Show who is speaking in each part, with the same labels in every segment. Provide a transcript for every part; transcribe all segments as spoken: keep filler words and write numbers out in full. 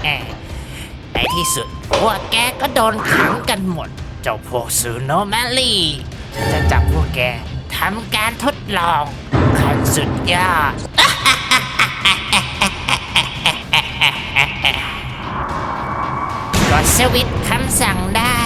Speaker 1: ในที่สุดพวกแกก็โดนขังกันหมดเจ้าพวกซูโนแมลี่ฉันจะจับพวกแกทำการทดลองขั้นสุดยอด กดสวิตช์คำสั่งได้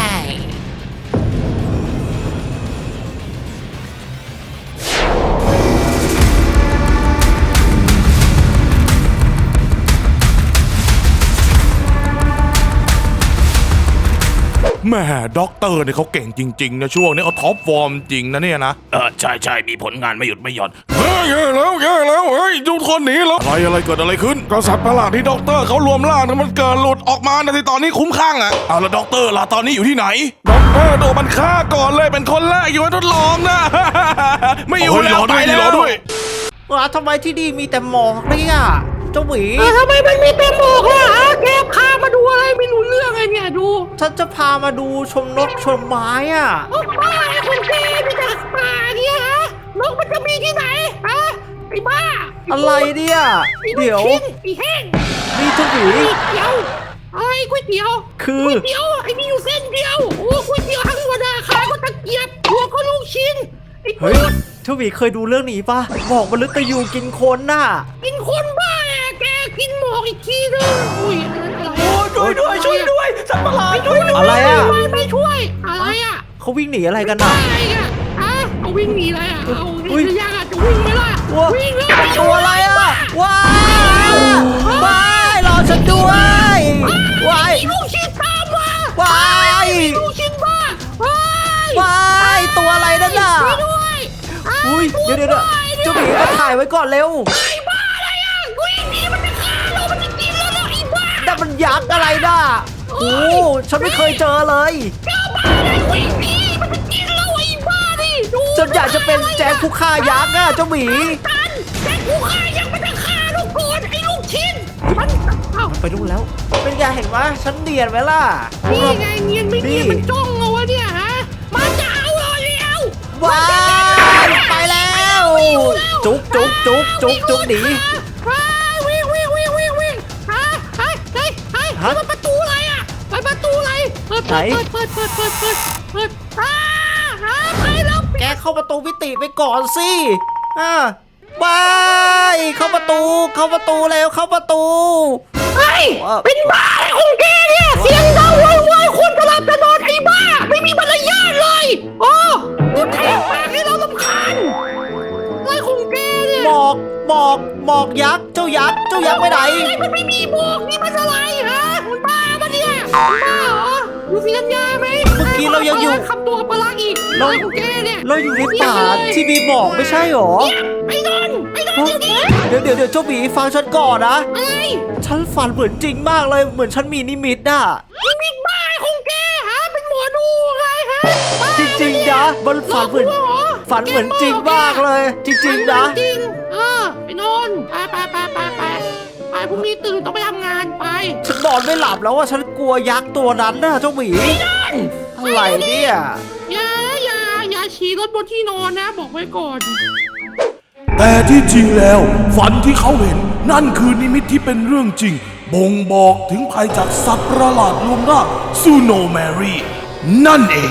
Speaker 2: แม่ด็อกเตอร์เนี่ยเขาเก่งจริงๆนะช่วงนี้เขาท็อปฟอร์มจริงนะเนี่ยนะเออใช่ใช่มีผลงานไม่หยุดไม่หย่อนเฮ้ยแย่แล้วแย่แล้วเฮ้ยทุกคนหนีแล้วอะไรอะไรเกิดอะไรขึ้นกษัตริย์ประหลาดที่ด็อกเตอร์เขารวมร่างนั้นมันเกิดหลุดออกมาในที่ตอนนี้คุ้มข้างอ่ะเอาแล้วด็อกเตอร์ล่ะตอนนี้อยู่ที่ไหนด็อกเตอร์โดนมันฆ่าก่อนเลยเป็นคนแรกอยู่ในทดลองนะ ไม่อยู่แล้วไปแล้วด้วย
Speaker 1: ว้าทำไมที่นี่มีแต่หมอกเนี่ยเจ้าหวี
Speaker 3: ทำไมมันมีแต่หมอกล่ะฮะแกพามาดูอะไรไม่รู้เรื่องไงเนี่ยดู
Speaker 1: ฉันจะพามาดูชมนกชมไม้อ่ะ
Speaker 3: โอ้บ้าไอ้คนแกมีแต่ป่าเนี่ยฮะนกมันจะมีที่ไหนฮะไอ้บ้า
Speaker 1: อะไรเนี่ย
Speaker 3: ไอ้ลูก
Speaker 1: เดี๋ยว
Speaker 3: ชิ้นไอ้แห้ง
Speaker 1: นี่เจ้าหวี
Speaker 3: ก๋วยเตี๋ยวอะไรก๋วยเตี๋ยว
Speaker 1: คือ
Speaker 3: ก๋วยเตี๋ยวไอ้นี่อยู่เส้นเดียวโอ้ก๋วยเตี๋ยวทั้งวันอาขาก็ตะเกียบหัวก็ลูกชิ้นไอ้
Speaker 1: เฮ้ย
Speaker 3: ปูด
Speaker 1: เจ้าหวีเคยดูเรื่องนี้ปะหมอกมฤตยูกินคนน่ะ
Speaker 3: กินคนบ้าแกกินหมอกอีกทีนึงอุ้ยอันนั้นอะไร
Speaker 1: โอ้ช่วยด้วยช่วยด้วยสัตว์ประหลาดช่วยด้วย
Speaker 3: อะไร
Speaker 1: อ่ะ
Speaker 3: ไม่ไม่ช่วยอะไรอ่ะ
Speaker 1: เขาวิ่งหนีอะไรกัน
Speaker 3: อะ
Speaker 1: น่ะ
Speaker 3: ไรอ่ะอะเอาวิ่งหนีอะไรอ่ะ เอา
Speaker 1: อุ๊ย
Speaker 3: จะยังอ่ะจะวิ่งไหมล่ะ
Speaker 1: ว้า
Speaker 3: วิ่งเลย
Speaker 1: ตัวอะไรอ่ะว้ายว้ายรอฉันด้วยว้าย
Speaker 3: ไอ้ลูกชิ้นตามมา
Speaker 1: ว้าย
Speaker 3: ไอ้ลูกชิ้นบ้าว้าย
Speaker 1: ว้ายตัวอะไรนั่นน่ะ
Speaker 3: ช่วยด้วยอ่ะ
Speaker 1: อุ้ย
Speaker 3: ช่
Speaker 1: เดี๋ยว
Speaker 3: ด้
Speaker 1: เดี๋ยว
Speaker 3: วย
Speaker 1: เจ้าหมีมาถ่ายไว้ก่อนเร็ว
Speaker 3: ไอ้บ้าอะไรอ่ะวิ่งหนีมันจะฆ่าเรามันจะกินเราแล้วไอ้บ้า
Speaker 1: แต่มันยักษ์อะไรน่ะโอ้ฉันไม่เคยเจอเลย
Speaker 3: เจ้าบ้าอะไรวิ่งหนีมันจะกินเราไอ้บ้าดิดู
Speaker 1: ฉันอยากจะเป็นแจ็คผู้ฆ่ายักษ์อ่ะเจ้าหมี
Speaker 3: กันแต่กูฆ่ายังไม่ได้ฆ่าลูกโกนไอ้ลูกชิ้นมันเอ้า
Speaker 1: ไปดูแล้ว เป็นไงเห็นไหมฉันเนียนไหมล่ะ
Speaker 3: นี่ไงเนียนไม่เนียน
Speaker 1: นี่
Speaker 3: มันจ้องเอาวะเนี่ยฮะมันจะเอาเราแล้ว
Speaker 1: ว้ายไปแล้ว จุกจุกจุกจุกจุกหนี
Speaker 3: วิ่งวิ่งวิ่งวิ่งวิ่งฮะเฮ้ยเฮ้ยเฮ้ย
Speaker 1: ฮะ
Speaker 3: มันประตูอะไรอ่ะมันประตูอะไรเปิด
Speaker 1: ไหน
Speaker 3: เปิดเปิดเปิดเปิดเปิดเปิดอ่าฮะไปแล้ว
Speaker 1: แกเข้าประตูวิติไปก่อนสิอ่าบายเข้าประตู เข้าประตูแล้วเข้าประตู
Speaker 3: เฮ้ยเป็นบ้าอะไรของแกเนี่ยเสียงดังโวยวายคนกำลังจะนอนไอ้บ้าไม่มีมารยาทเลยโอ้พูดแทงปากให้เราลำคาญอะไรของแกเนี่ย
Speaker 1: หมอกหมอกหมอกยักษ์ เจ้ายักษ์ เจ้ายักษ์ไปไหน
Speaker 3: ไอ้มันไม่มีบอกนี่มันอะไรฮะมันบ้าปะเนี่ยบ้าเหรอดูสิกัญญาไหม
Speaker 1: เมื่อกี้เรายังอยู่
Speaker 3: คำตัวปลาร้าอีก
Speaker 1: เรา
Speaker 3: อะไรของแกเนี่ย
Speaker 1: เราอยู่ในป่าที่มีหมอกไม่ใช่หรอ
Speaker 3: ไอ้นนท์ไอ้นนท์เดี๋ยวนี้
Speaker 1: เดี๋ยวเดี๋ยวเดี๋ยวเจ้าหมีฟังฉันก่อนนะ
Speaker 3: อะไร
Speaker 1: ฉันฝันเหมือนจริงมากเลย เหมือนฉันมีนิมิตน่ะ
Speaker 3: นี่มีบ้าของแกฮะเป็นหมอดูไงฮะบ้า
Speaker 1: จริงๆนะมันฝันเหมือน
Speaker 3: หลกลวงร
Speaker 1: ฝันเหมือนจริงมากเลย จริงๆนะ
Speaker 3: จริงเออไอ้นนท์ไปไปไปไปไปไปพรุ่งนี้ตื่นต้องไปทำงานไป
Speaker 1: ฉันนอนไม่หลับแล้วว่าฉันกลัวยักษ์ตัวนั้นนะเจ้าหมีอะไรเนี่ย
Speaker 3: อย่าอย่าอย่าฉี่รถบนที่นอนนะ บอกไว้ก่อน
Speaker 2: แต่ที่จริงแล้วฝันที่เขาเห็นนั่นคือนิมิตที่เป็นเรื่องจริงบ่งบอกถึงภัยจากสัตว์ประหลาดรวมร่างซูโนแมรี่นั่นเอง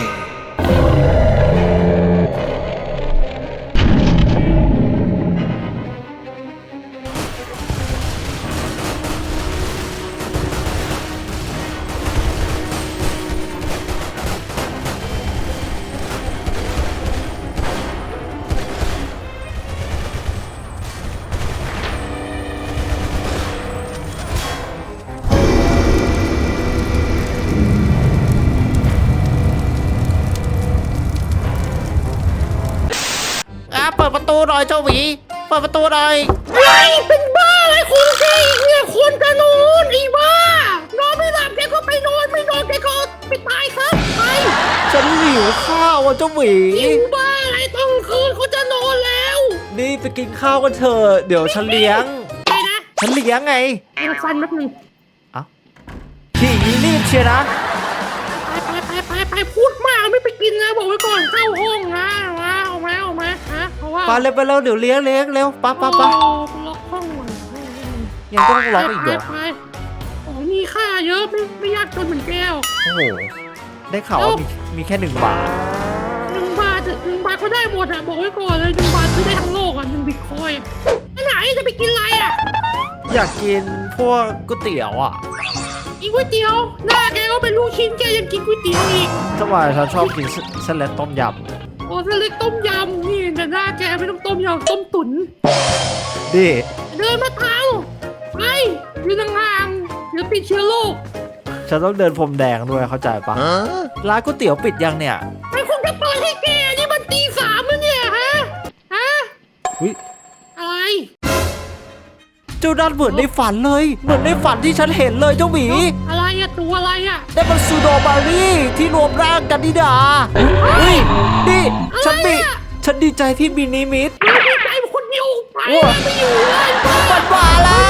Speaker 1: อ่ะเปิดประตูหน่อยเจ้าหมีเปิดประตูหน่อย
Speaker 3: ไอ้เป็นบ้าอะไรของแกอีกเนี่ยคนจะนอนไอ้บ้านอนไม่หลับแกก็ไปนอนไม่นอนแกก็ไปตายซะไป
Speaker 1: ฉันหิวข้าวอ่ะเจ้าหมี
Speaker 3: หิวบ้าอะไรต้องคืนเขาจะนอนแล้ว
Speaker 1: นี่ไปกินข้าวกันเถอะเดี๋ยวฉันเลี้ยง
Speaker 3: ไปนะ
Speaker 1: ฉันเลี้ยงไง
Speaker 3: เดี๋ยวฟันแป๊บนึง
Speaker 1: เอ้าขี่รีบเชียวนะ
Speaker 3: ไปไปไปไปพูดมากไม่ไปกินนะบอกไว้ก่อนเข้าห้องนะมาเอามาเอามาฮะเพราะว่า
Speaker 1: ไปเร็วไปเร็วเดี๋ยวเลี้ยงเลี้ยงเร็วไปไปไป
Speaker 3: โอ้ล็อกห้องก่อน
Speaker 1: ยังต้องล็อกอีกเหรอ
Speaker 3: ไปไปอ๋อนี่มีค่าเยอะไม่ไม่ยากจนเหมือนแก้ว
Speaker 4: โอ้โหได้ข่าวว่ามีมีแค่หนึ่งบาท
Speaker 3: หนึ่งบาทหนึ่งบาทก็ได้หมดอะบอกไว้ก่อนเลยหนึ่งบาทซื้อได้ทั้งโลกอะหนึ่งบิตคอยน์ไปไหนจะไปกินอะไรอะ
Speaker 4: อยากกินพวกก๋วยเตี๋ยวอ่ะ
Speaker 3: กินก๋วยเตี๋ยวหน้าแกก็เป็นลูกชิ้นแกยังกินก๋วยเตี๋ยวอีก
Speaker 4: ทำไมฉันชอบกินเส้นเล็กต้มย
Speaker 3: โอ้เส้นเล็กต้มยำนี่แต่หน้าแกไม่ต้องต้มยำต้มตุ๋น
Speaker 4: ำดิ
Speaker 3: เดินมาเท้าไปยืนห่างๆเดี๋ยวติดเชื้อโรค
Speaker 4: ฉันต้องเดินพรมแดงด้วยเข้าใจปะร้านก๋วยเตี๋ยวปิดยังเนี่ย
Speaker 3: ไอ้คงจะเปิดให้แกนี่มันตีสามแล้วเนี่ยฮะฮะ
Speaker 4: อุ๊ย
Speaker 3: อะไร
Speaker 4: เจ้าด้านเหมือนในฝันเลย เหมือนในฝันที่ฉันเห็นเลยเจ้าหมี
Speaker 3: อะไรอะตัวอะไรอะ
Speaker 4: ได้มันซูโดบารี่ที่รวมร่างกันนี่ดาเฮ้ยนี่ฉันมีฉันดีใจที่มีนิมิต
Speaker 3: ไม่มีใจคนเดียวไป
Speaker 4: โอ้
Speaker 3: ไม่อยู่เลย
Speaker 4: มันมาแล้ว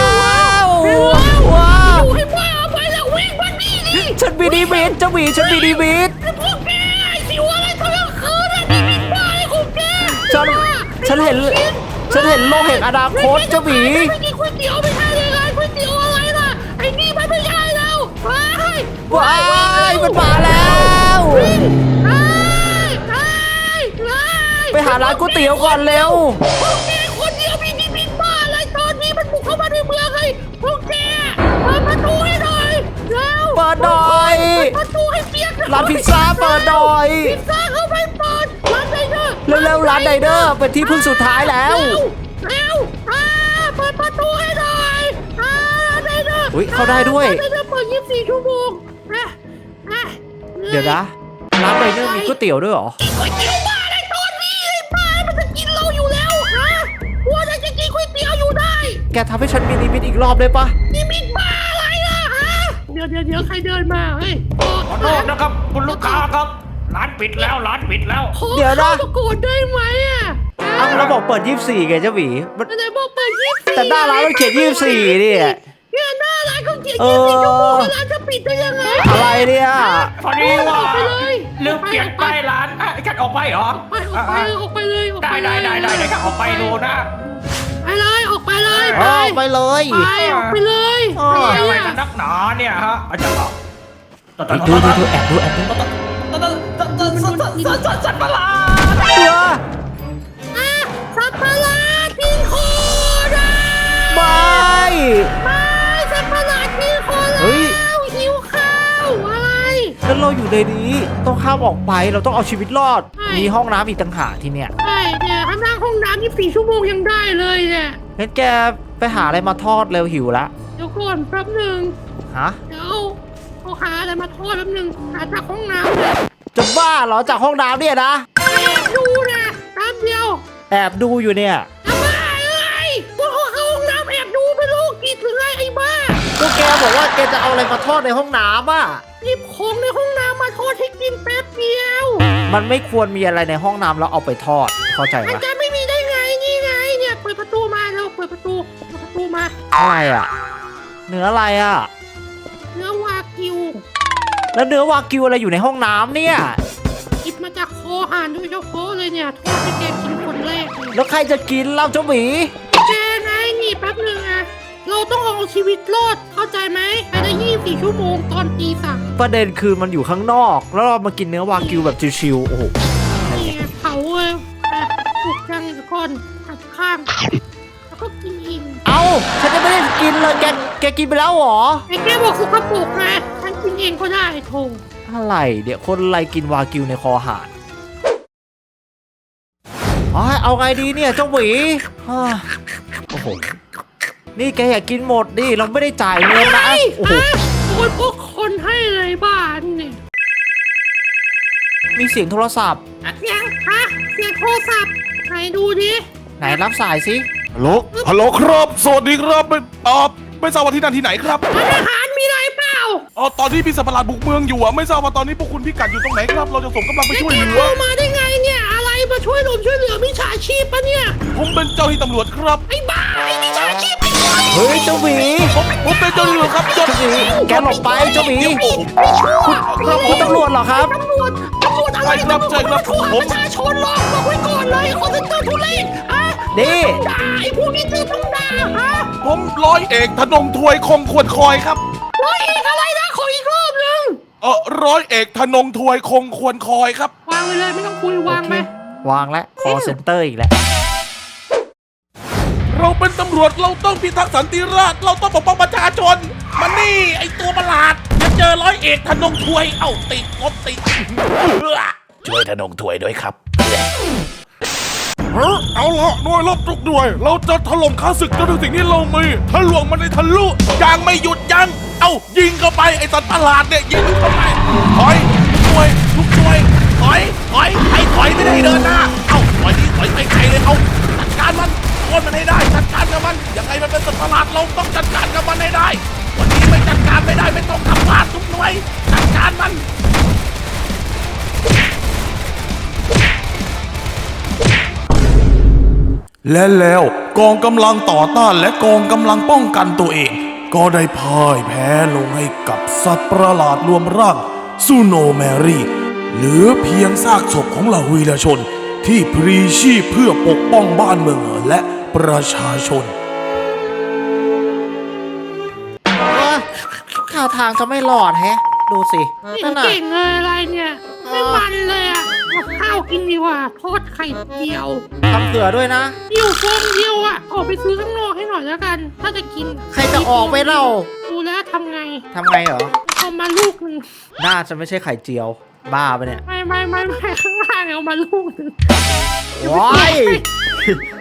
Speaker 3: ไป
Speaker 4: ว้า
Speaker 3: อยู่ให้บ้าไปแล้ววิ่งมานี่ดิ
Speaker 4: ฉันมีนิมิตเจ้าหมีฉันมีนิมิต
Speaker 3: ไอ้พวกแกไอ้สิวอะไรตอนกลางคืนอะนี่เป็นบ้าไอ้ของแก
Speaker 4: ฉันฉันเห็นฉันเห็นโลกแห่งอนาคตเจ้าหมี
Speaker 3: ไม่กินก๋วยเตี๋ยวไม่ใช่เลยร้านก๋วยเตี๋ยวอะไรล่ะไอ้นี่มันไม่ใช่แล้วไป
Speaker 4: ว้ายมันมาแล้ว
Speaker 3: ไปไปไป
Speaker 4: ไปหาร้านก๋วยเตี๋ยวก่อนเร็ว
Speaker 3: พวกแกคนเดียวมีนิมิตบ้าอะไรตอนนี้มันบุกเข้ามาในเมืองเลยพวกแกเปิดประตูให้หน่อยเร็ว
Speaker 4: เปิดหน่อย
Speaker 3: เปิดประตูให้เปียก
Speaker 4: ร้านพิซซ่าเปิดหน่อย
Speaker 3: พิซซ่าเข้าไปเปิดร้านไดเนอร์
Speaker 4: เร็วๆร้านไดเนอร์เป็นที่พึ่งสุดท้ายแล้ว
Speaker 3: เร็วอ่าเปิดประตูให้หน่อยอ่าร้านไดเนอร์
Speaker 4: อุ๊ยเข้าได้ด้วย
Speaker 3: ร้านไดเนอร์เปิดยี่สิบสี่ชั่วโมงอ่ะอ่ะ
Speaker 4: เดี๋ยวนะร้านไดเนอร์มีก๋วยเตี๋ยวด้วยเหรอ
Speaker 3: กินก๋วยเตี๋ยวบ้าในตอนนี้ไอ้บ้ามันจะกินเราอยู่แล้วฮะว่าจะกินก๋วยเตี๋ยวอยู่ได้
Speaker 4: แกทำให้ฉันมีนิมิตอีกรอบได้ปะ
Speaker 3: นี่มิดบ้าอะไรล่ะฮะเดี๋ยวเดี๋ยวเดี๋ยวใครเดินมาเฮ้ย
Speaker 1: ขอโทษนะครับคุณลูกค้าครับ ร้านปิดแล้วร้านปิดแล้ว
Speaker 3: ขอเข้าประกวดได้ไหมอ่ะ
Speaker 4: อ้าวเราบอกเปิดยี่สิบสี่ไงเจ้าหมีมัน
Speaker 3: ไหนบอกเปิดยี่สิบสี่
Speaker 4: แต่หน้าร้านมันเขียนยี่สิบสี่นี่
Speaker 3: เนี่ยหน้าร้านเขาเขียน
Speaker 4: เอ
Speaker 3: ยี่
Speaker 4: อ
Speaker 3: สิบสี่ชั่วโมงแล้วร้านจะปิดได้ยังไง
Speaker 4: อะไรเนี่ย
Speaker 1: พอดีว่า
Speaker 3: ออกไปเลย
Speaker 1: ลืมเปลี่ยนป้ายร้านอ่ะฉันออกไปเหรอ
Speaker 3: ไปออกไปเลยออกไปเลยออก
Speaker 1: ได้
Speaker 3: ไปเลย
Speaker 1: ได้ได้ได้เดี๋ยวฉันออกไปดูนะ
Speaker 3: ไปเลยออกไปเลย
Speaker 4: เออไปเลย
Speaker 3: ไปออกไปเลย
Speaker 4: เออ
Speaker 3: ไป
Speaker 1: อะไร
Speaker 3: เลย
Speaker 1: กันนักหนาเนี่ยฮะอาจารย์บอก
Speaker 4: ดูดูดูแอบดูแอบดู
Speaker 1: สัตว์ประหลาด
Speaker 4: เสือ
Speaker 3: อ่ะสัตว์ประหลาดกินโคนะ
Speaker 4: ไม่
Speaker 3: ไม่สัตว์ประหลาดกินโคแล้ว
Speaker 4: เฮ้ย
Speaker 3: หิวข้าวอะไร
Speaker 4: แล้วเราอยู่ในนี้ต้องข้ามออกไปเราต้องเอาชีวิตรอด
Speaker 3: ใช่
Speaker 4: มีห้องน้ำอีกต่างหากที่เนี่ย
Speaker 3: ใช่เนี่ยข้างหน้าห้องน้ำยี่สิบสี่ชั่วโมงยังได้เลยเนี่ย
Speaker 4: งั้นแกไปหาอะไรมาทอดเร็วหิวละ
Speaker 3: เดี๋ยวก่อนแป๊บหนึ่ง
Speaker 4: ฮะ
Speaker 3: เดี๋ยวเอาหาอะไรมาทอดแป๊บหนึ่งหาจากห้องน้ำเลย
Speaker 4: จะบ้าเหรอจากห้องน้ำเนี่ยนะ
Speaker 3: แอบดูนะแป๊บเดียว
Speaker 4: แอบดูอยู่เนี่ย
Speaker 3: ทำไมเอ้ยพวกเขาเข้าห้องน้ำแอบดูเป็นโรคจิตหรือไงไอ้บ้า
Speaker 4: ก็แกบอกว่าแกจะเอาอะไรมาทอดในห้องน้ำอ่ะ
Speaker 3: หยิบของในห้องน้ำมาทอดให้กินแป๊บเดียว
Speaker 4: มันไม่ควรมีอะไรในห้องน้ำแล้วเอาไปทอด เข้าใจ
Speaker 3: มัน
Speaker 4: ปะ
Speaker 3: จะไม่มีได้ไงนี่ไงเนี่ยเปิดประตูมาแล้วเปิดประตูเปิดประตูมา
Speaker 4: อะไรอ่ะ เนื้ออะไรอ่ะ
Speaker 3: เนื้อวากิว
Speaker 4: แล้วเนื้อวากิวอะไรอยู่ในห้องน้ำเนี่ย
Speaker 3: หยิบมาจากคอหานโดยเฉพาะเลยเนี่ยทอดให้แกกินคนแรกเลย
Speaker 4: แล้วใครจะกินเล่าเจ้าหมี
Speaker 3: แกไงนี่แป๊บหนึงอะเราต้องเอาชีวิตรอดเข้าใจไหมภายในยี่สิบสี่ชั่วโมงตอนตีสาม
Speaker 4: ประเด็นคือมันอยู่ข้างนอก แล้วเรามากินเนื้อวากิวแบบชิวๆโอ้โห
Speaker 3: นี่ไงเผาเลยอ่ะสุกจังเดี๋ยวก่อนหัดข้าง แล้วก็กินอีก
Speaker 4: เอาฉันจะไม่ได้กินเลยแกแกกินไปแล้วเหรอ
Speaker 3: ไอ้แกบอกสุกปรกนะฉันกินเองก็ได้โถ
Speaker 4: อะไรเดี๋ยวคนอะไรกินวากิวในคอหานอ๋อเอาไงดีเนี่ยเจ้าหมีอ้าวโอ้โหนี่แกอยากกินหมดดิเราไม่ได้จ่ายเงินนะโอ้โห
Speaker 3: อ่ะโอนพวกคนให้เลยบ้านเนี่ย
Speaker 4: มีเสียงโทรศัพท์
Speaker 3: เสียงฮะเสียงโทรศัพท์ไหนดูดิ
Speaker 4: ไหนรับสายสิ
Speaker 2: ฮัลโหลฮัลโหลครับ สวัสดีครับไม่เออไม่ทราบว่าที่นั่นที่ไหนครับ
Speaker 3: ร้านอาหารมีอะไรเปล่า
Speaker 2: เออตอนที่พี่สัตว์ประหลาดบุกเมืองอยู่อะไม่ทราบว่าตอนนี้พวกคุณพิกัดอยู่ตรงไหนครับ เราจะส่งกำลังไป
Speaker 3: แล้ว
Speaker 2: ช่วย
Speaker 3: แก
Speaker 2: เหลื
Speaker 3: โทร
Speaker 2: อ
Speaker 3: มาได้ไงเนี่ยอะไรมาช่วยลมช่วยเหลือมิจฉาชีพปะเนี่ย
Speaker 2: ผมเป็นเจ้าหน้าที่ตำรวจครับ
Speaker 3: ไอ้บ้าไอ้มิจฉาชีพไอ้บ้า
Speaker 4: เฮ้ยเจ้าหมี
Speaker 2: ผมผมเป็นเจ้าหน้าที่ตำรวจครับจด
Speaker 4: เจ้าหมีแกหลบไปเจ้าหมี
Speaker 3: ไม่ชั่ว
Speaker 4: คุณคุณตำรวจเหรอครับ
Speaker 3: ตำรวจตำรวจอะไร
Speaker 2: ใช่ครับใช่ครับ
Speaker 3: ตำวจ
Speaker 2: ผม
Speaker 3: ประชาชนหรอกบอกไว้ก่อนเลยคอนเซ็นเตอร์ทุเรศอ่ะ
Speaker 4: นี่
Speaker 3: ด่าไอ้พวกนี้คือต้องด่าฮะ
Speaker 2: ผมร้อยเอกธนงถวยคงควรคอยครับ
Speaker 3: ร้ร้อยเอกอะไรนะขออีกรอบหนึง
Speaker 2: เออร้อยเอกธนงถวยคงควรคอยครับ
Speaker 3: วางไปเลยไม่ต้องคุยวางไหม
Speaker 4: วางแล้ว call center อีกแล้ว
Speaker 2: เราเป็นตำรวจเราต้องพิทักษ์สันติราษฎร์เราต้องปกป้องประชาชนมันนี่ไอตัวประหลาดจะเจอร้อยเอกธนงถวยเอ้าติดรถติดช่วยธนงถวยด้วยครับเฮ้ยเอาละหน่วยรบทุกหน่วย เราจะถล่มข้าศึกจนถึงสิ่งที่เรามีทะลวงมันในทะลุยังไม่หยุดยั้งเอ้ายิงเข้าไปไอสัตว์ประหลาดเนี่ยยิงเข้าไปถอยทุกหน่วยทุกหน่วยถอยถอยไอ้ถอยไม่ได้เดินหน้าเอ้าถอยนี่ถอยไปไกลเลยเอาจัดการมันโค่นมันให้ได้จัดการกับมันยังไงมันเป็นสัตว์ประหลาดเราต้องจัดการกับมันให้ได้วันนี้ไม่จัดการไม่ได้ไม่ต้องทำพลาดทุกหน่วยจัดการมันและแล้วกองกำลังต่อต้านและกองกำลังป้องกันตัวเอง ก็ได้พ่ายแพ้ลงให้กับสัตว์ประหลาดรวมร่างซูโนแมรี่เหลือเพียงซากศพของเหล่าวีรชนที่พลีชีพเพื่อปกป้องบ้านเมืองและประชาชน
Speaker 4: ท่าทางจะไม่รอดแฮะ ดูสิเออ
Speaker 3: ไม่
Speaker 4: นั่นน่ะ
Speaker 3: เก่งเลยอะไรเนี่ยไม่มันเลยอ่ะเอาข้าวกินดีกว่าทอดไข่เจียว
Speaker 4: ทำเผื่อด้วยนะ
Speaker 3: อยู่ฟองเดียวอ่ะออกไปซื้อข้างนอกให้หน่อยแล้วกัน ถ้าจะกิน
Speaker 4: ใครจะออกไปเล่า
Speaker 3: ดูแล้วทำไง
Speaker 4: ทำไงเหรอ
Speaker 3: เอามาลูกหนึ่ง
Speaker 4: น่าจะไม่ใช่ไข่เจียว บ้าไปะเนี่ย
Speaker 3: ไม่ไม่ไม่ไม่ข้างล่างเอามาลูกหนึ่ง
Speaker 4: ว้าย